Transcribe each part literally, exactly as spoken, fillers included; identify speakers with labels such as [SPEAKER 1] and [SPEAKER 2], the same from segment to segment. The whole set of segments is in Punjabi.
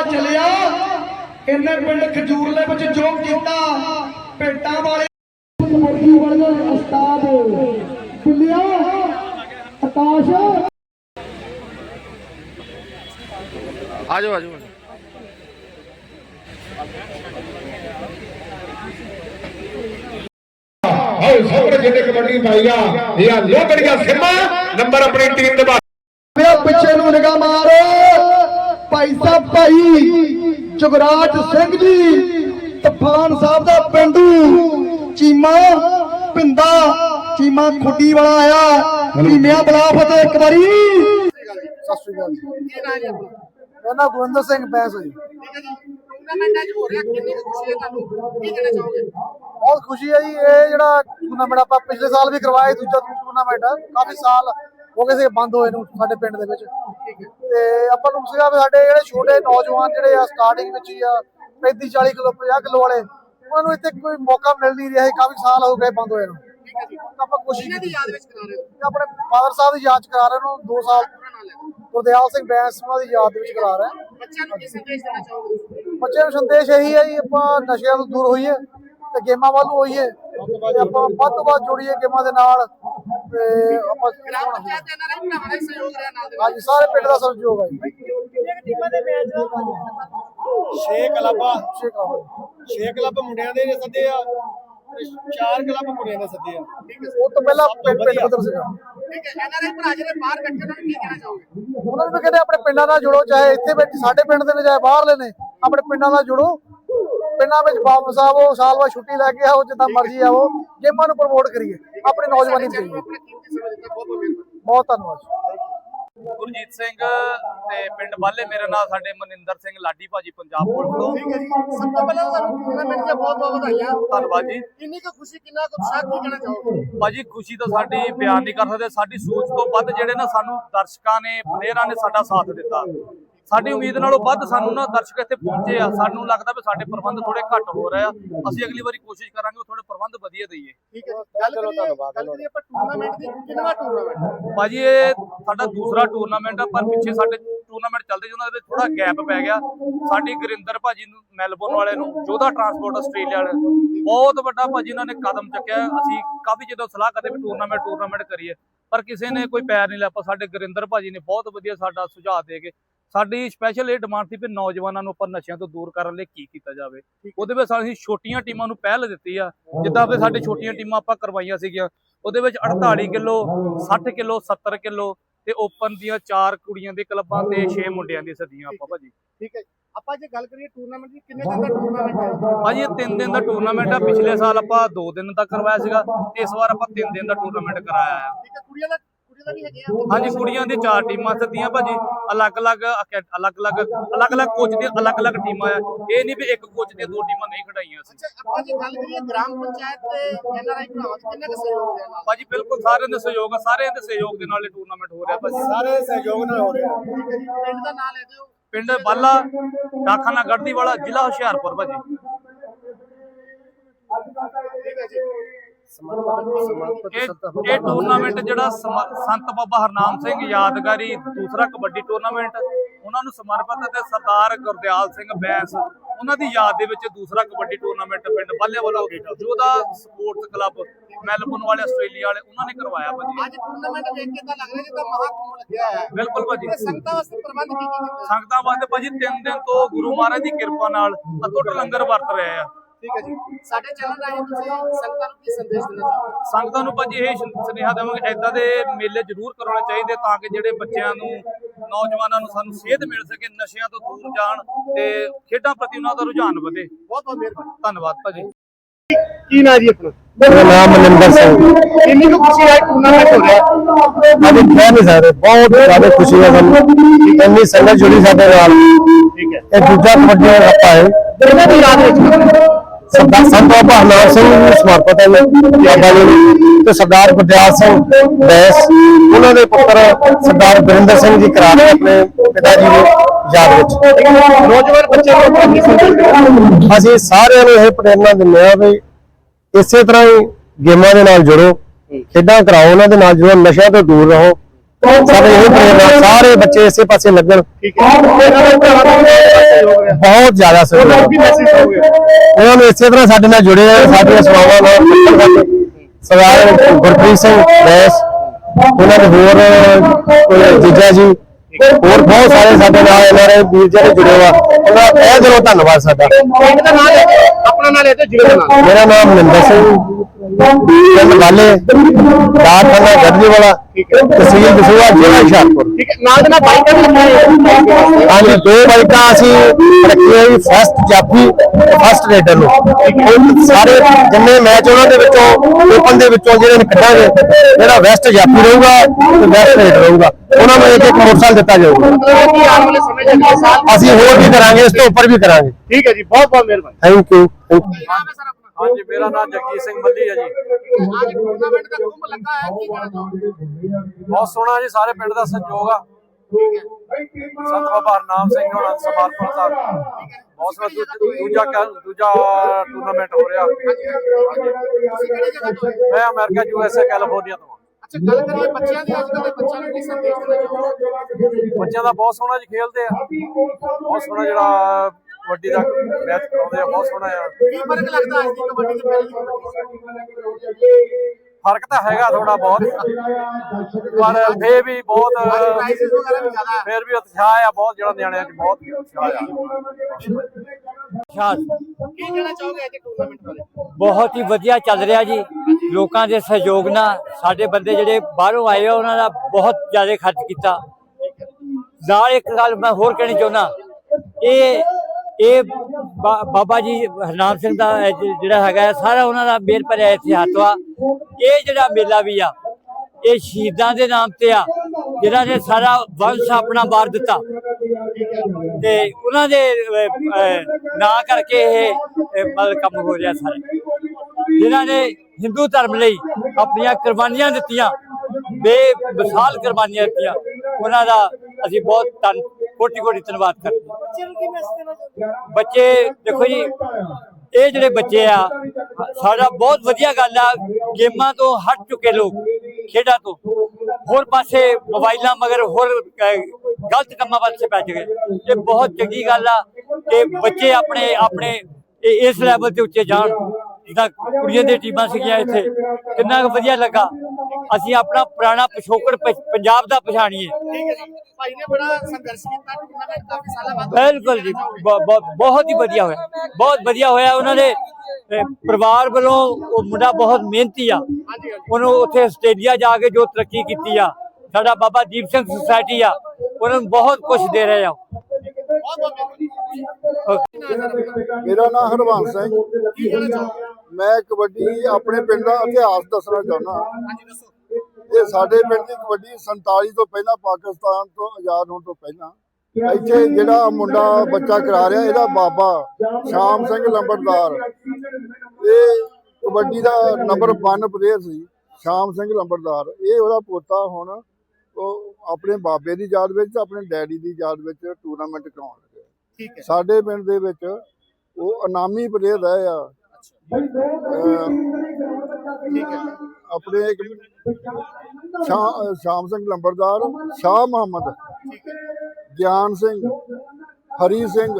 [SPEAKER 1] चलिया इन्हें पिंड खजूरले विच जो कीता भेटां वाले मुर्गी वाले उस्ताद बिल्लिया आकाश
[SPEAKER 2] आजो आजो
[SPEAKER 3] जिन्हें कबड्डी पाई आ लोकड़िया सिरमा नंबर अपनी टीम दे
[SPEAKER 1] पिछे नूं निगाह मारो भाई साहब भाई जुगराज सिंह जी तूफान साहब दा पिंडू चीमा पिंदा चीमा खुड्डी वाला आया चीमिया बला फतेह एक बारी
[SPEAKER 4] सत श्री अकाल जी की नाम है मेरा गुरविंदर सिंह बैस है ठीक है जी टूर्नामेंट आज हो रहा कितनी खुशी है ਤੁਹਾਨੂੰ ਕੀ ਕਹਿਣਾ ਚਾਹੋਗੇ बहुत खुशी है जी ये ਜਿਹੜਾ ਟੂਰਨਾਮੈਂਟ ਆਪਾਂ ਪਿਛਲੇ ਸਾਲ ਵੀ ਕਰਵਾਇਆ ਦੂਜਾ ਟੂਰਨਾਮੈਂਟ ਕਾਫੀ ਸਾਲ ਹੋ ਗਏ ਸੀ ਬੰਦ ਹੋਏ ਨੂੰ ਸਾਡੇ ਪਿੰਡ ਦੇ ਵਿੱਚ ਠੀਕ ਹੈ ਤੇ ਆਪਾਂ ਨੂੰ ਸੀਗਾ ਵੀ ਸਾਡੇ ਜਿਹੜੇ ਛੋਟੇ ਨੌਜਵਾਨ ਜਿਹੜੇ ਆ ਸਟਾਰਟਿੰਗ ਵਿੱਚ ਹੀ ਆ ਪੈਂਤੀ ਚਾਲੀ ਕਿਲੋ ਪੰਜਾਹ ਕਿਲੋ ਵਾਲੇ ਉਹਨਾਂ ਨੂੰ ਇੱਥੇ ਕੋਈ ਮੌਕਾ ਮਿਲ ਨਹੀਂ ਰਿਹਾ ਕਾਫੀ ਸਾਲ ਹੋ ਗਏ ਬੰਦ ਹੋਏ ਨੂੰ ਠੀਕ ਹੈ ਜੀ ਆਪਾਂ ਕੋਸ਼ਿਸ਼ ਦੀ ਯਾਦ ਵਿੱਚ ਕਰਾ ਰਹੇ ਹਾਂ ਆਪਣੇ ਫਾਦਰ ਸਾਹਿਬ ਦੀ ਯਾਦ ਕਰਾ ਰਹੇ ਨੂੰ ਦੋ ਸਾਲ ਗੁਰਦਿਆਲ ਸਿੰਘ ਬੈਂਸ ਉਹਨਾਂ ਦੀ ਯਾਦ ਵਿੱਚ ਕਰਾ ਰਹੇ ਹਾਂ ਬੱਚਿਆਂ ਨੂੰ ਕੀ ਸੰਦੇਸ਼ ਦੇਣਾ ਚਾਹੋਗੇ ਬੱਚਿਆਂ ਨੂੰ ਸੰਦੇਸ਼ ਇਹੀ ਹੈ ਜੀ ਆਪਾਂ ਨਸ਼ਿਆਂ ਤੋਂ ਦੂਰ ਹੋਈਏ ਤੇ ਗੇਮਾਂ ਵੱਲ ਹੋਈਏ ਤੇ ਆਪਾਂ ਵੱਧ ਤੋਂ ਵੱਧ ਜੁੜੀਏ ਗੇਮਾਂ ਦੇ ਨਾਲ ਤੇ ਆਪਾਂ ਗ੍ਰਾਮ ਪੰਚਾਇਤ ਦੇ ਨਾਲ ਭਰਾਵਾਂ ਦਾ ਸਹਿਯੋਗ ਰਿਹਾ ਨਾਲ ਹਾਂਜੀ ਸਾਰੇ ਪਿੰਡ ਦਾ ਸਹਿਯੋਗ ਹੈ ਜੀ ਕਿੰਨੇ ਟੀਮਾਂ ਦੇ ਮੈਚ ਛੇ ਕਲੱਬਾਂ ਛੇ ਕਲੱਬ ਛੇ ਕਲੱਬ ਮੁੰਡਿਆਂ ਦੇ ਸੱਦੇ ਆ ਚਾਰ ਕਲੱਬ ਕੁੜੀਆਂ ਦੇ ਸੱਦੇ ਆ ਠੀਕ ਹੈ ਉਹ ਤੋਂ ਪਹਿਲਾਂ ਪਿੰਡ ਪਿੰਡ ਪੱਧਰ ਸੀਗਾ ਠੀਕ ਹੈ ਐਨ ਆਰ ਆਈ ਭਰਾ ਜਿਹੜੇ ਬਾਹਰ ਬੈਠੇ ਉਹਨਾਂ ਨੂੰ ਕੀ ਕਹਿਣਾ ਚਾਹੋਗੇ ਉਹਨਾਂ ਨੂੰ ਵੀ ਕਹਿੰਦੇ ਆਪਣੇ ਪਿੰਡਾਂ ਨਾਲ ਜੁੜੋ ਚਾਹੇ ਇੱਥੇ ਬੈਠੇ ਸਾਡੇ ਪਿੰਡ ਦੇ ਨੇ ਚਾਹੇ ਬਾਹਰਲੇ ਨੇ ਆਪਣੇ ਪਿੰਡਾਂ ਨਾਲ ਜੁੜੋ ਪਿੰਡਾਂ ਵਿੱਚ ਵਾਪਸ ਆਵੋ ਸਾਲ ਬਾਅਦ ਛੁੱਟੀ ਲੈ ਕੇ ਆਓ ਜਿੱਦਾਂ ਮਰਜ਼ੀ ਆਵੋ ਗੇਮਾਂ ਨੂੰ ਪ੍ਰਮੋਟ ਕਰੀਏ ਆਪਣੇ ਨੌਜਵਾਨੀ ਨੂੰ ਬਹੁਤ ਧੰਨਵਾਦ
[SPEAKER 2] ਗੁਰਜੀਤ ਸਿੰਘ ਤੇ ਪਿੰਡ ਬਾਲੇ ਮੇਰੇ ਨਾਲ ਸਾਡੇ ਮਨਿੰਦਰ ਸਿੰਘ ਲਾਡੀ ਭਾਜੀ ਪੰਜਾਬ ਪੁਲਿਸ ਤੋਂ
[SPEAKER 4] ਠੀਕ ਹੈ ਜੀ ਸਭ ਤੋਂ ਪਹਿਲਾਂ ਤੁਹਾਨੂੰ ਟੂਰਨਾਮੈਂਟ ਦੀਆਂ ਬਹੁਤ ਬਹੁਤ ਵਧਾਈਆਂ
[SPEAKER 2] ਧੰਨਵਾਦ ਜੀ
[SPEAKER 4] ਕਿੰਨੀ ਕੁ ਖੁਸ਼ੀ ਕਿੰਨਾ ਕੁ ਉਤਸ਼ਾਹ ਕੀ ਕਹਿਣਾ ਚਾਹੋਗੇ
[SPEAKER 2] ਭਾਜੀ ਖੁਸ਼ੀ ਤਾਂ ਸਾਡੀ ਬਿਆਨ ਨਹੀਂ ਕਰ ਸਕਦੇ ਸਾਡੀ ਸੋਚ ਤੋਂ ਵੱਧ ਜਿਹੜੇ ਨਾ ਸਾਨੂੰ ਦਰਸ਼ਕਾਂ ਨੇ ਪਲੇਅਰਾਂ ਨੇ ਸਾਡਾ ਸਾਥ ਦਿੱਤਾ ਸਾਡੀ ਉਮੀਦ ਨਾਲੋਂ ਵੱਧ ਸਾਨੂੰ ਨਾ ਦਰਸ਼ਕ ਇੱਥੇ ਪਹੁੰਚੇ ਆ ਸਾਨੂੰ ਲੱਗਦਾ ਵੀ ਸਾਡੇ ਪ੍ਰਬੰਧ ਥੋੜੇ ਘੱਟ ਹੋ ਰਹੇ ਆ ਅਸੀਂ ਅਗਲੀ ਵਾਰੀ ਕੋਸ਼ਿਸ਼ ਕਰਾਂਗੇ ਉਹ ਥੋੜੇ ਪ੍ਰਬੰਧ ਵਧੀਆ ਦਈਏ
[SPEAKER 4] ਠੀਕ ਹੈ ਗੱਲ ਕਰੋ ਧੰਨਵਾਦ ਗੱਲ ਕਰੀਏ ਆਪਾਂ ਟੂਰਨਾਮੈਂਟ ਦੀ ਕਿੰਨਾ ਟੂਰਨਾਮੈਂਟ
[SPEAKER 2] ਭਾਜੀ ਇਹ ਸਾਡਾ ਦੂਸਰਾ ਟੂਰਨਾਮੈਂਟ ਆ ਪਰ ਪਿੱਛੇ ਸਾਡੇ ਟੂਰਨਾਮੈਂਟ ਚੱਲਦੇ ਸੀ ਉਹਨਾਂ ਦੇ ਵਿੱਚ ਥੋੜਾ ਗੈਪ ਪੈ ਗਿਆ ਸਾਡੀ ਗੁਰਿੰਦਰ ਭਾਜੀ ਨੂੰ ਮੈਲਬੌਰਨ ਵਾਲੇ ਨੂੰ ਜੋਧਾ ਟਰਾਂਸਪੋਰਟ ਆਸਟ੍ਰੇਲੀਆ ਵਾਲੇ ਬਹੁਤ ਵੱਡਾ ਭਾਜੀ ਉਹਨਾਂ ਨੇ ਕਦਮ ਚੱਕਿਆ ਅਸੀਂ ਕਾਫੀ ਜਦੋਂ ਸਲਾਹ ਕਰਦੇ ਵੀ ਟੂਰਨਾਮੈਂਟ ਟੂਰਨਾਮੈਂਟ ਕਰੀਏ ਪਰ ਕਿਸੇ ਨੇ ਕੋਈ ਪੈਰ ਨਹੀਂ ਲਿਆ ਸਾਡੇ ਗੁਰਿੰਦਰ ਭਾਜੀ ਨੇ ਬਹੁਤ ਵਧੀਆ ਸਾਡਾ ਸੁਝਾਅ ਦੇ ਕੇ ਸਾਡੀ ਸਪੈਸ਼ਲ ਇਹ ਡਿਮਾਂਡ ਸੀ ਕਿ ਨੌਜਵਾਨਾਂ ਨੂੰ ਆਪਾਂ ਨਸ਼ਿਆਂ ਤੋਂ ਦੂਰ ਕਰਨ ਲਈ ਕੀ ਕੀਤਾ ਜਾਵੇ ਉਹਦੇ ਵਿੱਚ ਅਸੀਂ ਛੋਟੀਆਂ ਟੀਮਾਂ ਨੂੰ ਪਹਿਲ ਦਿੱਤੀ ਆ ਜਿੱਦਾਂ ਵੀ ਸਾਡੇ ਛੋਟੀਆਂ ਟੀਮਾਂ ਆਪਾਂ ਕਰਵਾਈਆਂ ਸੀਗੀਆਂ ਉਹਦੇ ਵਿੱਚ ਅੜਤਾਲੀ ਕਿਲੋ ਸੱਠ ਕਿਲੋ ਸੱਤਰ ਕਿਲੋ ਤੇ ਓਪਨ ਦੀਆਂ ਚਾਰ ਕੁੜੀਆਂ ਦੇ ਕਲੱਬਾਂ ਤੇ ਛੇ ਮੁੰਡਿਆਂ ਦੀ ਸਦੀਆਂ ਆਪਾਂ ਭਾਜੀ
[SPEAKER 4] ਠੀਕ ਹੈ ਆਪਾਂ ਜੇ ਗੱਲ ਕਰੀਏ ਟੂਰਨਾਮੈਂਟ ਦੀ ਕਿੰਨੇ ਦਿਨ ਦਾ ਟੂਰਨਾਮੈਂਟ ਹੈ
[SPEAKER 2] ਭਾਜੀ ਇਹ ਤਿੰਨ ਦਿਨ ਦਾ ਟੂਰਨਾਮੈਂਟ ਆ ਪਿਛਲੇ ਸਾਲ ਆਪਾਂ ਦੋ ਦਿਨ ਦਾ ਕਰਵਾਇਆ ਸੀਗਾ ਤੇ ਇਸ ਵਾਰ ਆਪਾਂ ਤਿੰਨ ਦਿਨ ਦਾ ਟੂਰਨਾਮੈਂਟ ਕਰਾਇਆ ਆ
[SPEAKER 4] ਠੀਕ ਹੈ ਕੁੜੀਆਂ ਦਾ
[SPEAKER 2] ਹਾਂਜੀ ਕੁੜੀਆਂ ਦੀ ਚਾਰ ਟੀਮਾਂ ਸੱਦੀਆਂ ਭਾਜੀ ਅਲੱਗ-ਅਲੱਗ ਅਲੱਗ-ਅਲੱਗ ਅਲੱਗ-ਅਲੱਗ ਕੋਚ ਦੀਆਂ ਅਲੱਗ-ਅਲੱਗ ਟੀਮਾਂ ਆ ਇਹ ਨਹੀਂ ਵੀ ਇੱਕ ਕੋਚ ਦੀਆਂ ਦੋ ਟੀਮਾਂ ਨਹੀਂ ਖੜਾਈਆਂ ਸੀ
[SPEAKER 4] ਅੱਛਾ ਆਪਾਂ ਜੇ ਗੱਲ ਕਰੀਏ ਗ੍ਰਾਮ ਪੰਚਾਇਤ ਤੇ ਐਨ ਆਰ ਆਈ ਭਰਾਵਾਂ ਦਾ ਕਿੰਨਾ ਕੁ ਸਹਿਯੋਗ ਹੈ ਨਾਲ
[SPEAKER 2] ਭਾਜੀ ਬਿਲਕੁਲ ਸਾਰਿਆਂ ਦੇ ਸਹਿਯੋਗ ਆ ਸਾਰਿਆਂ ਦੇ ਸਹਿਯੋਗ ਦੇ ਨਾਲ ਇਹ ਟੂਰਨਾਮੈਂਟ ਹੋ ਰਿਹਾ ਭਾਜੀ
[SPEAKER 4] ਸਾਰੇ ਸਹਿਯੋਗ ਨਾਲ ਹੋ ਰਿਹਾ ਠੀਕ ਹੈ ਜੀ ਪਿੰਡ ਦਾ ਨਾਮ ਲੈ ਦਿਓ
[SPEAKER 2] ਪਿੰਡ ਬਾਲਾ ਡਾਖਾਨਾ ਗੜਦੀ ਵਾਲਾ ਜ਼ਿਲ੍ਹਾ ਹੁਸ਼ਿਆਰਪੁਰ ਭਾਜੀ
[SPEAKER 4] ਠੀਕ ਹੈ ਜੀ
[SPEAKER 2] ਇਹ ਟੂਰਨਾਮੈਂਟ ਜਿਹੜਾ ਸੰਤ ਬਾਬਾ ਹਰਨਾਮ ਸਿੰਘ ਯਾਦਗਾਰੀ ਦੂਸਰਾ ਕਬੱਡੀ ਟੂਰਨਾਮੈਂਟ ਉਹਨਾਂ ਨੂੰ ਸਮਰਪਿਤ ਅਤੇ ਸਰਦਾਰ ਗੁਰਦਿਆਲ ਸਿੰਘ ਬੈਂਸ ਉਹਨਾਂ ਦੀ ਯਾਦ ਦੇ ਵਿੱਚ ਦੂਸਰਾ ਕਬੱਡੀ ਟੂਰਨਾਮੈਂਟ ਪਿੰਡ ਬਾਲੇ ਵੱਲੋਂ ਜੋਧਾ ਸਪੋਰਟਸ ਕਲੱਬ ਮੈਲਬੌਰਨ ਵਾਲੇ ਆਸਟ੍ਰੇਲੀਆ ਵਾਲੇ ਉਹਨਾਂ ਨੇ ਕਰਵਾਇਆ ਭਾਜੀ
[SPEAKER 4] ਅੱਜ ਟੂਰਨਾਮੈਂਟ ਵੇਖ ਕੇ ਤਾਂ ਲੱਗ ਰਿਹਾ ਜਿੱਦਾਂ ਮਹਾਕੁੰਭ ਲੱਗਿਆ ਹੈ
[SPEAKER 2] ਬਿਲਕੁਲ ਭਾਜੀ
[SPEAKER 4] ਸੰਗਤਾਂ ਵਾਸਤੇ ਪ੍ਰਬੰਧ ਕੀ ਕੀਤਾ
[SPEAKER 2] ਸੰਗਤਾਂ ਵਾਸਤੇ ਭਾਜੀ ਤਿੰਨ ਦਿਨ ਤੋਂ ਗੁਰੂ ਮਹਾਰਾਜ ਦੀ ਕਿਰਪਾ ਨਾਲ ਅਤੁੱਟ ਲੰਗਰ ਵਰਤ ਰਹੇ ਆ
[SPEAKER 4] ਠੀਕ ਹੈ ਜੀ ਸਾਡੇ ਚੈਨਲ ਰਾਹੀਂ ਤੁਸੀਂ ਸੰਗਤਾਂ ਨੂੰ ਕੀ ਸੰਦੇਸ਼ ਦੇਣਾ ਚਾਹੋਗੇ
[SPEAKER 2] ਸੰਗਤਾਂ ਨੂੰ ਭਾਜੀ ਇਹ ਸੁਨੇਹਾ ਦੇਵਾਂਗੇ ਏਦਾਂ ਦੇ ਮੇਲੇ ਜ਼ਰੂਰ ਕਰਾਉਣੇ ਚਾਹੀਦੇ ਤਾਂ ਕਿ ਜਿਹੜੇ ਬੱਚਿਆਂ ਨੂੰ ਨੌਜਵਾਨਾਂ ਨੂੰ ਸਾਨੂੰ ਸੇਧ ਮਿਲ ਸਕੇ ਨਸ਼ਿਆਂ ਤੋਂ ਦੂਰ ਜਾਣ ਤੇ ਖੇਡਾਂ ਪ੍ਰਤੀ ਉਹਨਾਂ ਦਾ ਰੁਝਾਨ ਵਧੇ
[SPEAKER 4] ਬਹੁਤ ਬਹੁਤ ਮਿਹਰਬਾਨੀ
[SPEAKER 2] ਧੰਨਵਾਦ ਭਾਜੀ
[SPEAKER 4] ਕੀ ਨਾਂ ਜੀ ਆਪਣਾ
[SPEAKER 5] ਮੇਰਾ ਨਾਮ ਮਨਿੰਦਰ ਸਿੰਘ
[SPEAKER 4] ਕਿੰਨੀ ਕੁ ਖੁਸ਼ੀ ਹੈ ਟੂਰਨਾਮੈਂਟ ਹੋ ਰਿਹਾ
[SPEAKER 5] ਅੱਜ ਕਹਿ ਨਹੀਂ ਸਕਦੇ ਬਹੁਤ ਜ਼ਿਆਦਾ ਖੁਸ਼ੀ ਹੈ ਸਾਨੂੰ ਇੰਨੀ ਸੰਗਤ ਜੁੜੀ ਸਾਡੇ ਨਾਲ
[SPEAKER 4] ਠੀਕ ਹੈ
[SPEAKER 5] ਇਹ ਦੂਜਾ ਕਬੱਡੀ ਦਾ ਕੱਪਾ ਹੈ
[SPEAKER 4] ਕਿਹਨਾਂ ਦੀ ਯਾਦ ਵਿੱਚ
[SPEAKER 5] ਸਰਦਾਰ ਸੰਤ ਬਾਬਾ ਹਰਨਾਮ ਸਿੰਘ ਨੂੰ ਸਮਰਪਿਤ ਹੈ ਬਾਬਾ ਜੀ ਤੇ ਸਰਦਾਰ ਗੁਰਦਿਆਲ ਸਿੰਘ ਬੈਂਸ ਉਹਨਾਂ ਦੇ ਪੁੱਤਰ ਸਰਦਾਰ ਗੁਰਿੰਦਰ ਸਿੰਘ ਜੀ ਕਰਾ ਰਹੇ ਆਪਣੇ ਪਿਤਾ ਜੀ ਦੀ ਯਾਦ ਵਿੱਚ
[SPEAKER 4] ਨੌਜਵਾਨ ਬੱਚਿਆਂ ਨੂੰ
[SPEAKER 5] ਅਸੀਂ ਸਾਰਿਆਂ ਨੂੰ ਇਹ ਪ੍ਰੇਰਨਾ ਦਿੰਦੇ ਹਾਂ ਵੀ ਇਸੇ ਤਰ੍ਹਾਂ ਹੀ ਗੇਮਾਂ ਦੇ ਨਾਲ ਜੁੜੋ ਖੇਡਾਂ ਕਰਾਓ ਉਹਨਾਂ ਦੇ ਨਾਲ ਜੁੜੋ ਨਸ਼ਿਆਂ ਤੋਂ ਦੂਰ ਰਹੋ ਸਾਡੇ ਇਹ ਪ੍ਰੇਰਨਾ ਸਾਰੇ ਬੱਚੇ ਇਸੇ ਪਾਸੇ ਲੱਗਣ। ਬਹੁਤ ਜ਼ਿਆਦਾ ਸਹਿਯੋਗ ਉਹਨਾਂ ਨੂੰ ਇਸੇ ਤਰ੍ਹਾਂ ਸਾਡੇ ਨਾਲ ਜੁੜੇ ਆ, ਸਾਡੀਆਂ ਸੇਵਾਵਾਂ ਨਾਲ ਸਰਦਾਰ ਗੁਰਪ੍ਰੀਤ ਸਿੰਘ ਬੈਸ, ਉਹਨਾਂ ਦੇ ਹੋਰ ਜੀਜਾ ਜੀ, ਹੋਰ ਬਹੁਤ ਸਾਰੇ ਸਾਡੇ ਨਾਲ ਇਹਨਾਂ ਦੇ ਵੀਰ ਜਿਹੜੇ ਜੁੜੇ ਹੋਆ, ਉਹਨਾਂ ਦਾ ਤਹਿ ਦਿਲੋਂ ਧੰਨਵਾਦ ਸਾਡਾ।
[SPEAKER 6] ਆਪਣਾ ਨਾਲ ਇਹ ਤੇ ਜ਼ਿਲ੍ਹੇ ਦਾ ਨਾਮ।
[SPEAKER 5] ਮੇਰਾ ਨਾਮ ਮਨਿੰਦਰ ਸਿੰਘ, ਪਿੰਡ ਵਾਲੇ, ਡਾਕਖਾਨਾ ਗੱਜੀਵਾਲਾ, ਤਹਿਸੀਲ ਦਸੂਹਾ, ਜ਼ਿਲ੍ਹਾ ਹੁਸ਼ਿਆਰਪੁਰ।
[SPEAKER 6] ਠੀਕ ਹੈ, ਨਾਲ ਦੇ ਨਾਲ ਬਾਈਕਾਂ ਵੀ ਲੱਗੀਆਂ ਹੋਈਆਂ।
[SPEAKER 5] ਹਾਂਜੀ, ਦੋ ਬਾਈਕਾਂ ਅਸੀਂ ਰੱਖੀਆਂ ਜੀ, ਫਸਟ ਜਾਫੀ ਤੇ ਫਸਟ ਰੇਡਰ ਨੂੰ। ਉਹ ਸਾਰੇ ਜਿੰਨੇ ਮੈਚ ਉਹਨਾਂ ਦੇ ਵਿੱਚੋਂ ਓਪਨ ਦੇ ਵਿੱਚੋਂ ਜਿਹੜੇ ਨੇ ਕੱਢਾਂਗੇ, ਜਿਹੜਾ ਵੈਸਟ ਜਾਫੀ ਰਹੂਗਾ ਤੇ ਵੈਸਟ ਰੇਡਰ ਰਹੂਗਾ, ਉਹਨਾਂ ਨੂੰ ਇੱਕ ਇੱਕ ਮੋਟਰਸਾਈਕਲ ਦਿੱਤਾ ਜਾਊਗਾ।
[SPEAKER 6] ਮਤਲਬ ਕਿ ਆਉਣ ਵਾਲੇ ਸਮੇਂ 'ਚ ਅਗਲੇ ਸਾਲ
[SPEAKER 5] ਅਸੀਂ ਹੋਰ ਵੀ ਕਰਾਂਗੇ, ਇਸ ਤੋਂ ਉੱਪਰ ਵੀ ਕਰਾਂਗੇ।
[SPEAKER 6] ਠੀਕ ਹੈ ਜੀ, ਬਹੁਤ ਬਹੁਤ ਮਿਹਰਬਾਨੀ।
[SPEAKER 5] Thank you.
[SPEAKER 2] ਹਾਂਜੀ, ਮੇਰਾ ਨਾਮ ਜਗਜੀਤ ਸਿੰਘ ਮੱਲੀ ਹੈ ਜੀ।
[SPEAKER 6] ਅੱਜ ਟੂਰਨਾਮੈਂਟ ਦਾ ਕੁੰਭ ਲੱਗਾ ਹੈ, ਕੀ ਕਹਿਣਾ ਚਾਹੋਗੇ?
[SPEAKER 2] ਬਹੁਤ ਸੋਹਣਾ ਜੀ, ਸਾਰੇ ਪਿੰਡ ਦਾ ਸਹਿਯੋਗ ਆ। ਸੰਤ ਬਾਬਾ ਹਰਨਾਮ ਸਿੰਘ ਹੋਣਾ ਸਮਾਰਪੁਰ ਦਾ ਬਹੁਤ ਸੋਹਣਾ ਦੂ- ਦੂਜਾ ਕ- ਦੂਜਾ ਟੂਰਨਾਮੈਂਟ ਹੋ ਰਿਹਾ। ਮੈਂ America U S A California ਤੋਂ।
[SPEAKER 6] ਅੱਛਾ, ਗੱਲ ਕਰੀਏ ਬੱਚਿਆਂ ਦੀ, ਅੱਜ ਕੱਲ੍ਹ ਦੇ ਬੱਚਿਆਂ ਨੂੰ ਕੀ ਸੰਦੇਸ਼ ਦੇਣਾ ਚਾਹੋਗੇ?
[SPEAKER 2] ਬੱਚਿਆਂ ਦਾ ਬਹੁਤ ਸੋਹਣਾ ਜੀ ਖੇਲਦੇ ਆ, ਬਹੁਤ ਸੋਹਣਾ ਜਿਹੜਾ ਕਬੱਡੀ ਦਾ ਮੈਚ ਕਰਾਉਂਦੇ ਆ, ਬਹੁਤ ਸੋਹਣਾ ਆ।
[SPEAKER 6] ਕੀ ਫਰਕ ਲੱਗਦਾ ਅੱਜ ਦੀ ਕਬੱਡੀ ਤੇ ਪਹਿਲੀ ਕਬੱਡੀ?
[SPEAKER 2] ਫਰਕ ਤਾਂ ਹੈਗਾ ਥੋੜਾ ਬਹੁਤ, ਪਰ ਫੇਰ ਵੀ ਬਹੁਤ
[SPEAKER 6] ਪ੍ਰਾਈਸਿਸ ਵਗੈਰਾ ਵੀ ਜ਼ਿਆਦਾ ਹੈ।
[SPEAKER 2] ਫੇਰ ਵੀ ਉਤਸ਼ਾਹ ਆ ਬਹੁਤ, ਜਿਹੜਾ ਨਿਆਣਿਆਂ 'ਚ ਬਹੁਤ ਉਤਸ਼ਾਹ ਆ।
[SPEAKER 6] ਕੀ ਕਹਿਣਾ ਚਾਹੋਗੇ ਅੱਜ ਟੂਰਨਾਮੈਂਟ ਬਾਰੇ?
[SPEAKER 7] ਬਹੁਤ ਹੀ ਵਧੀਆ ਚੱਲ ਰਿਹਾ ਜੀ। ਲੋਕਾਂ ਦੇ ਸਹਿਯੋਗ ਨਾਲ ਸਾਡੇ ਬੰਦੇ ਜਿਹੜੇ ਬਾਹਰੋਂ ਆਏ ਆ, ਉਹਨਾਂ ਦਾ ਬਹੁਤ ਜ਼ਿਆਦਾ ਖਰਚ ਕੀਤਾ। ਨਾਲ ਇੱਕ ਗੱਲ ਮੈਂ ਹੋਰ ਕਹਿਣੀ ਚਾਹੁੰਦਾ, ਇਹ ਇਹ ਬਾ- ਬਾਬਾ ਜੀ ਹਰਨਾਮ ਸਿੰਘ ਦਾ ਇਹ ਜ- ਜਿਹੜਾ ਹੈਗਾ ਸਾਰਾ ਉਹਨਾਂ ਦਾ ਮੇਲ ਭਰਿਆ ਇਤਿਹਾਸ ਵਾ। ਇਹ ਜਿਹੜਾ ਮੇਲਾ ਵੀ ਆ, ਇਹ ਸ਼ਹੀਦਾਂ ਦੇ ਨਾਮ ਤੇ ਆ, ਜਿਹਨਾਂ ਨੇ ਸਾਰਾ ਵੰਸ਼ ਆਪਣਾ ਵਾਰ ਦਿੱਤਾ, ਤੇ ਉਹਨਾਂ ਦੇ ਅਹ, ਅਹ, ਨਾਂ ਕਰਕੇ ਇਹ ਇਹ ਮਤਲਬ ਕੰਮ ਹੋ ਰਿਹਾ ਸਾਰੇ, ਜਿਨ੍ਹਾਂ ਨੇ ਹਿੰਦੂ ਧਰਮ ਲਈ ਆਪਣੀਆਂ ਕੁਰਬਾਨੀਆਂ ਦਿੱਤੀਆਂ, ਬੇਮਿਸਾਲ ਕੁਰਬਾਨੀਆਂ ਦਿੱਤੀਆਂ, ਉਹਨਾਂ ਦਾ ਅਸੀਂ ਬਹੁਤ ਧੰਨ ਕੋਟੀ ਕੋਟੀ ਧੰਨਵਾਦ ਕਰਦੇ ਹਾਂ। ਬੱਚੇ ਦੇਖੋ ਜੀ, ਇਹ ਜਿਹੜੇ ਬੱਚੇ ਆ, ਸਾਡਾ ਬਹੁਤ ਵਧੀਆ ਗੱਲ ਆ, ਗੇਮਾਂ ਤੋਂ ਹਟ ਚੁੱਕੇ ਲੋਕ, ਖੇਡਾਂ ਤੋਂ ਹੋਰ ਪਾਸੇ ਮੋਬਾਈਲਾਂ ਮਗਰ ਹੋਰ ਅਹ, ਗਲਤ ਕੰਮਾਂ ਪਾਸੇ ਪੈ ਚੁੱਕੇ। ਇਹ ਬਹੁਤ ਚੰਗੀ ਗੱਲ ਆ ਕਿ ਬੱਚੇ ਆਪਣੇ ਆਪਣੇ ਇਹ- ਇਸ ਲੈਵਲ ਤੇ ਉੱਚੇ ਜਾਣ। ਜਿੱਦਾਂ ਕੁੜੀਆਂ ਦੀਆਂ ਟੀਮਾਂ ਸੀਗੀਆਂ ਇੱਥੇ, ਕਿੰਨਾ ਕੁ ਵਧੀਆ ਲੱਗਾ। ਅਸੀਂ ਆਪਣਾ ਪੁਰਾਣਾ ਪਿਛੋਕੜ ਪ- ਪੰਜਾਬ ਦਾ ਪਛਾਣੀਏ।
[SPEAKER 6] ਠੀਕ ਹੈ ਜੀ, ਭਾਈ ਨੇ ਬੜਾ ਸੰਘਰਸ਼ ਕੀਤਾ, ਟੂਰਨਾਮੈਂਟ ਕਾਫੀ ਸਾਲਾਂ ਬਾਅਦ
[SPEAKER 7] ਬਿਲਕੁਲ ਜੀ, ਬ- ਬ- ਬਹੁਤ ਹੀ ਵਧੀਆ ਹੋਇਆ, ਬਹੁਤ ਵਧੀਆ ਹੋਇਆ। ਉਹਨਾਂ ਦੇ ਅਹ, ਪਰਿਵਾਰ ਵੱਲੋਂ ਉਹ ਮੁੰਡਾ ਬਹੁਤ ਮਿਹਨਤੀ ਆ, ਉਹਨੂੰ ਉੱਥੇ ਆਸਟ੍ਰੇਲੀਆ ਜਾ ਕੇ ਜੋ ਤਰੱਕੀ ਕੀਤੀ ਆ, ਸਾਡਾ ਬਾਬਾ ਦੀਪ ਸਿੰਘ ਸੁਸਾਇਟੀ ਆ, ਉਹਨਾਂ ਨੂੰ ਬਹੁਤ ਕੁਝ ਦੇ ਰਹੇ ਆ।
[SPEAKER 6] ਬਹੁਤ ਬਹੁਤ ਮਿਹਰਬਾਨੀ।
[SPEAKER 4] ਮੇਰਾ ਨਾਮ ਹਰਵੰਸ ਸਿੰਘ,
[SPEAKER 6] ਕੀ ਕਹਿਣਾ ਚਾਹੋਗੇ?
[SPEAKER 4] ਮੈਂ ਕਬੱਡੀ ਆਪਣੇ ਪਿੰਡ ਦਾ ਇਤਿਹਾਸ ਦੱਸਣਾ ਚਾਹੁੰਦਾ।
[SPEAKER 6] ਹਾਂਜੀ ਦੱਸੋ।
[SPEAKER 4] ਇਹ ਸਾਡੇ ਪਿੰਡ ਦੀ ਕਬੱਡੀ ਸੰਤਾਲੀ ਤੋਂ ਪਹਿਲਾਂ, ਪਾਕਿਸਤਾਨ ਤੋਂ ਆਜ਼ਾਦ ਹੋਣ ਤੋਂ ਪਹਿਲਾਂ, ਇੱਥੇ ਜਿਹੜਾ ਮੁੰਡਾ ਬੱਚਾ ਕਰਾ ਰਿਹਾ, ਇਹਦਾ ਬਾਬਾ ਸ਼ਾਮ ਸਿੰਘ ਲੰਬੜਦਾਰ, ਇਹ ਕਬੱਡੀ ਦਾ ਨੰਬਰ ਇੱਕ ਪਲੇਅਰ ਸੀ। ਸ਼ਾਮ ਸਿੰਘ ਲੰਬੜਦਾਰ, ਇਹ ਉਹਦਾ ਪੋਤਾ ਹੁਣ ਉਹ ਆਪਣੇ ਬਾਬੇ ਦੀ ਯਾਦ ਵਿੱਚ, ਆਪਣੇ ਡੈਡੀ ਦੀ ਯਾਦ ਵਿੱਚ ਟੂਰਨਾਮੈਂਟ ਕਰਾਉਣ ਲੱਗੇ।
[SPEAKER 6] ਠੀਕ ਹੈ,
[SPEAKER 4] ਸਾਡੇ ਪਿੰਡ ਦੇ ਵਿੱਚ ਉਹ ਇਨਾਮੀ ਪਲੇਅਰ ਰਹੇ ਆ। ਅਹ
[SPEAKER 6] ਠੀਕ ਹੈ,
[SPEAKER 4] ਆਪਣੇ ਇੱਕ ਸ਼ਾ- ਸ਼ਾਮ ਸਿੰਘ ਲੰਬੜਦਾਰ, ਸ਼ਾਹ ਮੁਹੰਮਦ,
[SPEAKER 6] ਠੀਕ ਹੈ,
[SPEAKER 4] ਗਿਆਨ ਸਿੰਘ, ਹਰੀ ਸਿੰਘ,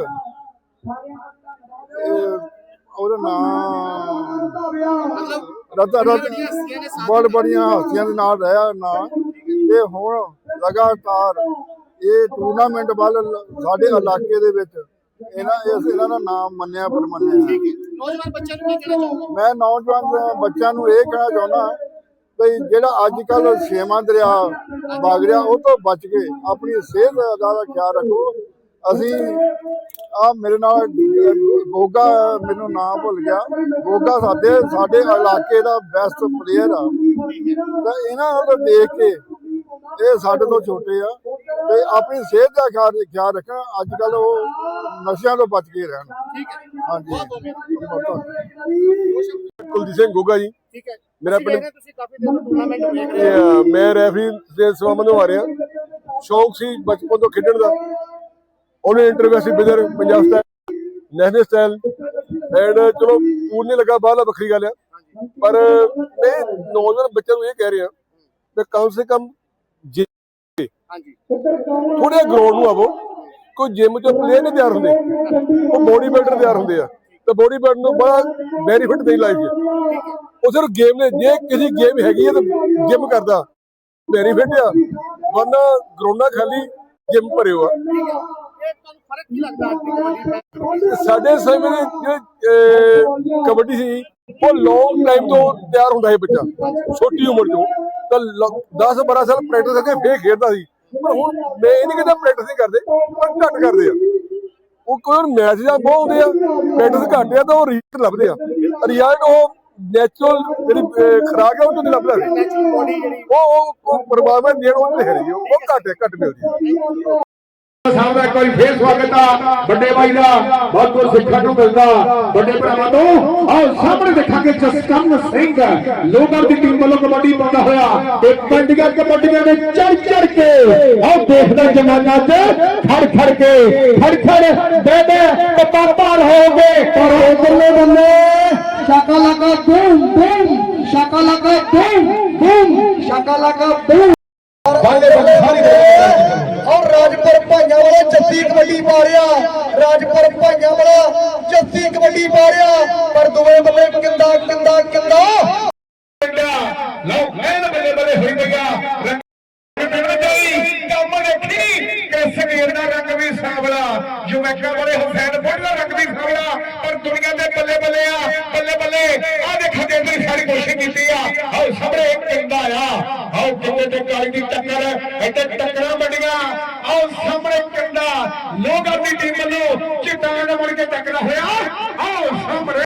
[SPEAKER 4] ਇਹ ਉਹਦਾ ਨਾਮ
[SPEAKER 6] ਮਤਲਬ
[SPEAKER 4] ਰਤਾ
[SPEAKER 6] ਬੜੀਆਂ
[SPEAKER 4] ਰਤ
[SPEAKER 6] ਵੱਡੀਆਂ ਹਸਤੀਆਂ ਨੇ ਸਾਥ
[SPEAKER 4] ਬੜ ਬੜੀਆਂ ਹਸਤੀਆਂ ਦੇ ਨਾਲ ਰਿਹਾ ਨਾ। ਤੇ ਹੁਣ ਲਗਾਤਾਰ ਇਹ ਟੂਰਨਾਮੈਂਟ ਵੱਲ ਸਾਡੇ ਇਲਾਕੇ ਦੇ ਵਿੱਚ ਇਹਨਾਂ ਇਸ ਇਹਨਾਂ ਦਾ ਨਾਮ ਮੰਨਿਆ ਪਰਮੰਨਿਆ।
[SPEAKER 6] ਨੌਜਵਾਨ ਬੱਚਿਆਂ ਨੂੰ ਕੀ ਕਹਿਣਾ ਚਾਹੋਗੇ?
[SPEAKER 4] ਮੈਂ ਨੌਜਵਾਨ ਬੱਚਿਆਂ ਨੂੰ ਇਹ ਕਹਿਣਾ ਚਾਹੁੰਦਾ ਵੀ ਜਿਹੜਾ ਅੱਜ ਕੱਲ ਛੇਵਾਂ ਦਰਿਆ ਵਗ ਰਿਹਾ, ਉਹ ਤੋਂ ਬਚ ਕੇ ਆਪਣੀ ਸਿਹਤ ਦਾ ਦਾ ਖਿਆਲ ਰੱਖੋ। ਅਸੀਂ ਆ ਮੇਰੇ ਨਾਲ ਗੋਗਾ, ਮੈਨੂੰ ਨਾਮ ਭੁੱਲ ਗਿਆ, ਗੋਗਾ ਸਾਡੇ ਸਾਡੇ ਇਲਾਕੇ ਦਾ ਬੈਸਟ ਪਲੇਅਰ ਆ। ਤਾਂ ਇਹਨਾਂ ਨੂੰ ਦੇਖ ਕੇ ਇਹ ਸਾਡੇ ਤੋਂ ਛੋਟੇ ਆ, ਤੇ ਆਪਣੀ ਸਿਹਤ ਦਾ ਖਿਆਲ ਖਿਆਲ ਰੱਖਣ। ਅੱਜ ਕੱਲ ਉਹ ਨਸ਼ਿਆਂ ਤੋਂ ਬਚ ਕੇ ਰਹਿਣ। ਹਾਂਜੀ,
[SPEAKER 8] ਕੁਲਦੀਪ ਸਿੰਘ ਗੋਗਾ ਜੀ।
[SPEAKER 6] ਠੀਕ ਹੈ,
[SPEAKER 8] ਮੇਰਾ
[SPEAKER 6] ਤੁਸੀਂ
[SPEAKER 8] ਪਿੰਡ-
[SPEAKER 6] ਦੇਖ ਰਹੇ, ਤੁਸੀਂ ਕਾਫੀ ਦਿਨ ਤੋਂ ਟੂਰਨਾਮੈਂਟ ਵੇਖ ਰਹੇ
[SPEAKER 8] ਇਹ,
[SPEAKER 6] ਹੋ।
[SPEAKER 8] ਅ, ਮੈਂ ਰੈਫਰੀ ਦੇ ਸੇਵਾਵਾਂ ਨਿਭਾ ਰਿਹਾ। ਸ਼ੌਂਕ ਸੀ ਬਚਪਨ ਤੋਂ ਖੇਡਣ ਦਾ। ਉਹਨੇ ਇੰਟਰਵੈਸੀ ਬਿਦਰ Punjab style, national style and ਚਲੋ ਪੂਰ ਨਹੀਂ ਲੱਗਾ, ਬਾਹਲਾ ਵੱਖਰੀ ਗੱਲ ਆ। ਪਰ ਮੈਂ ਨੌਜਵਾਨ ਬੱਚਿਆਂ ਨੂੰ ਇਹ ਕਹਿ ਰਿਹਾ ਕਿ ਕਮ ਸੇ ਕਮ ਥੋੜੇ ਗਰਾਊਂਡ ਨੂੰ ਆਵੋ। ਕੋਈ ਜਿਮ ਚੋਂ ਪਲੇਅਰ ਨਹੀਂ ਤਿਆਰ ਹੁੰਦੇ, ਉਹ ਬੋਡੀ ਬਿਲਡਰ ਤਿਆਰ ਹੁੰਦੇ ਆ, ਤੇ ਬੋਡੀ ਬਿਲਡਰ ਨੂੰ ਬੜਾ ਬੈਨੀਫਿਟ ਨਹੀਂ ਲਾਈਫ 'ਚ। ਉਹ ਸਿਰਫ ਗੇਮ ਨੇ, ਜੇ ਕਿਸੇ ਗੇਮ ਹੈਗੀ ਹੈ ਤਾਂ ਜਿਮ ਕਰਦਾ ਬੈਨੀਫਿਟ ਆ, ਵਰਨਾ ਗਰਾਊਂਡਾਂ ਖਾਲੀ ਜਿਮ ਭਰਿਓ ਆ। ਸਾਡੇ ਸਮੇਂ ਦੇ ਜਿਹੜੇ ਕਬੱਡੀ ਸੀ ਉਹ ਲੌਂਗ ਟਾਈਮ ਤੋਂ ਤਿਆਰ ਹੁੰਦਾ ਸੀ ਬੱਚਾ, ਛੋਟੀ ਉਮਰ ਤੋਂ ਤਾਂ ਦਸ ਬਾਰਾਂ ਸਾਲ ਪ੍ਰੈਕਟਿਸ ਕਰਕੇ ਫੇਰ ਖੇਡਦਾ ਸੀ। ਪਰ ਹੁਣ ਮੈਂ ਇਹ ਨਹੀਂ ਕਹਿੰਦਾ ਪ੍ਰੈਕਟਿਸ ਨਹੀਂ ਕਰਦੇ, ਪਰ ਘੱਟ ਕਰਦੇ ਆ। ਉਹ ਕੋਈ ਮੈਚ ਜਾਂ ਬਹੁਤ ਹੁੰਦੇ ਆ, ਪ੍ਰੈਕਟਿਸ ਘੱਟ ਆ ਤਾਂ ਉਹ ਰਿਜ਼ਲਟ ਲੱਭਦੇ ਆ। ਰਿਜ਼ਲਟ ਉਹ ਨੈਚੁਰਲ ਜਿਹੜੀ ਖੁਰਾਕ ਹੈ ਉਹ ਤੋਂ ਨਹੀਂ ਲੱਭਦਾ। ਉਹ ਉਹ ਪਰਮਾਤਮਾ ਦੇਣ ਉਹ ਤੇ ਹੈ ਨਹੀਂ, ਉਹ ਘੱਟ ਘੱਟ ਮਿਲਦੀ ਹੈ।
[SPEAKER 3] ਸਾਹਿਬ ਦਾ ਇੱਕ ਵਾਰੀ ਫੇਰ ਸਵਾਗਤ ਆ ਵੱਡੇ ਭਾਈ ਦਾ, ਬਹੁਤ ਕੁਝ ਸਿੱਖਣ ਨੂੰ ਮਿਲਦਾ ਵੱਡੇ ਭਰਾਵਾਂ ਤੋਂ। ਆਓ ਸਾਹਮਣੇ ਦੇਖਾਂਗੇ ਜਸਕਰਨ ਸਿੰਘ ਲੋਕਾਂ ਦੀ ਟੀਮ ਵੱਲੋਂ ਕਬੱਡੀ ਪਾਉਂਦਾ ਹੋਇਆ ਤੇ ਪਿੰਡੀਆਂ ਕਬੱਡੀਆਂ ਦੇ ਚੜ ਚੜ ਕੇ ਆਓ ਦੇਖਦਾ ਜਮਾਨਾ ਚ ਖੜ ਖੜ ਕੇ ਖੜ ਖੜ ਦੇ ਦੇ ਤੇ ਪਾਰ ਹੋ ਗਏ।
[SPEAKER 1] ਪਰ ਉਧਰਲੇ ਬੰਦੇ ਸ਼ਾਕਾ ਲਗਾ ਬੂਮ ਬੂਮ, ਸ਼ਾਕਾ ਲਗਾ ਬੂਮ ਬੂਮ, ਸ਼ਾਕਾ ਲਗਾ ਬੂਮ।
[SPEAKER 3] ਬਾਲੇ ਬੰਦੇ ਸਾਰੀ
[SPEAKER 1] ਔਰ ਰਾਜਪੁਰ ਭਾਈਆਂ ਵਾਲਾ ਜੱਸੀ ਕਬੱਡੀ ਪਾ ਰਿਹਾ, ਰਾਜਪੁਰ ਭਾਈਆਂ ਵਾਲਾ ਜੱਸੀ ਕਬੱਡੀ ਪਾ ਰਿਹਾ, ਪਰ ਦੂਏ ਬੱਲੇ ਕਿੰਦਾ ਕਿੰਦਾ ਕਿੰਦਾ
[SPEAKER 3] ਲਓ ਮੈਂ ਬੱਲੇ ਬੱਲੇ ਹੋਈ ਪਈਆ ਕੰਮ ਦੇਖੀ ਕਿ ਸਰੀਰ ਦਾ ਰੰਗ ਵੀ ਸਾਂਵਲਾ, ਜੁਮੈਕਾ ਵਾਲੇ ਹੁਸੈਨ ਬੁੱਢ ਦਾ ਰੰਗ ਵੀ ਸਾਂਵਲਾ, ਪਰ ਦੁਨੀਆ ਦੇ ਬੱਲੇ ਬੱਲੇ ਆ ਬੱਲੇ ਬੱਲੇ ਆ ਦੇਖਾਂਗੇ ਇਧਰ ਸਾਰੀ ਕੋਸ਼ਿਸ਼ ਕੀਤੀ ਆ। ਆਓ ਸਾਹਮਣੇ ਕਿੰਦਾ ਆ